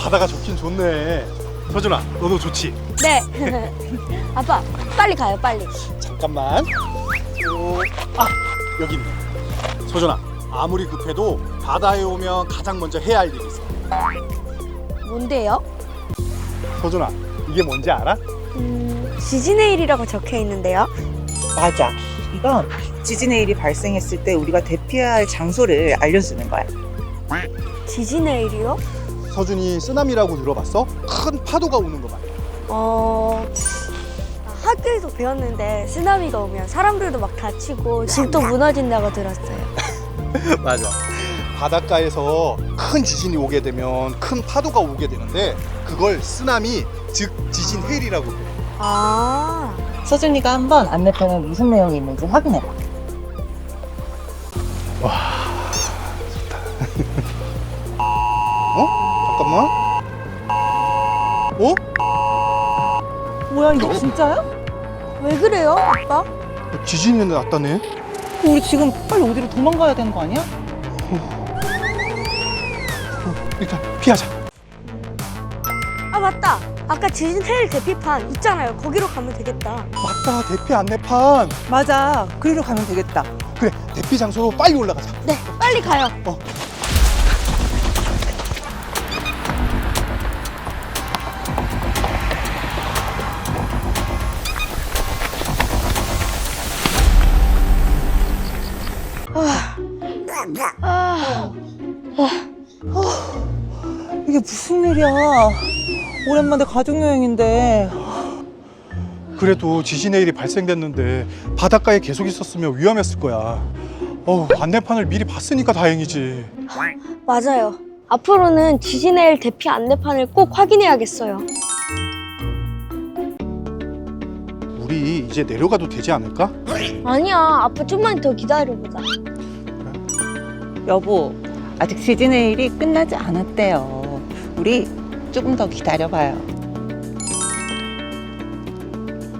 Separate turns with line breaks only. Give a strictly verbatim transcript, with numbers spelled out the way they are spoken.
바다가 좋긴 좋네. 서준아, 너도 좋지?
네. 아빠, 빨리 가요, 빨리.
잠깐만. 어, 아, 여기 있네. 서준아, 아무리 급해도 바다에 오면 가장 먼저 해야 할 일이 있어.
뭔데요?
서준아, 이게 뭔지 알아?
음, 지지네일이라고 적혀 있는데요.
맞아. 이건 지진의 일이 발생했을 때 우리가 대피해야 할 장소를 알려주는 거야.
지지네일이요?
서준이 쓰나미라고 들어봤어? 큰 파도가 오는 거 말이야.
어, 학교에서 배웠는데 쓰나미가 오면 사람들도 막 다치고 집도 무너진다고 들었어요.
맞아. 바닷가에서 큰 지진이 오게 되면 큰 파도가 오게 되는데 그걸 쓰나미, 즉 지진 해일이라고 그래.
아,
서준이가 한번 안내편에 무슨 내용이 있는지 확인해봐.
어? 잠깐만. 어?
뭐야, 이거 진짜야?
왜 그래요, 아빠?
지진이 났다네.
우리 지금 빨리 어디로 도망가야 되는 거 아니야?
일단 피하자.
아, 맞다. 아까 지진해일 대피판 있잖아요. 거기로 가면 되겠다.
맞다, 대피 안내판.
맞아. 그리로 가면 되겠다.
그래, 대피 장소로 빨리 올라가자.
네, 빨리 가요.
어.
아,
이게 무슨 일이야. 오랜만에 가족여행인데.
그래도 지진 해일이 발생됐는데 바닷가에 계속 있었으면 위험했을 거야. 어우, 안내판을 미리 봤으니까 다행이지.
맞아요. 앞으로는 지진해일 대피 안내판을 꼭 확인해야겠어요.
우리 이제 내려가도 되지 않을까?
아니야, 아빠 좀만 더 기다려보자.
여보, 아직 지진의 일이 끝나지 않았대요. 우리 조금 더 기다려봐요.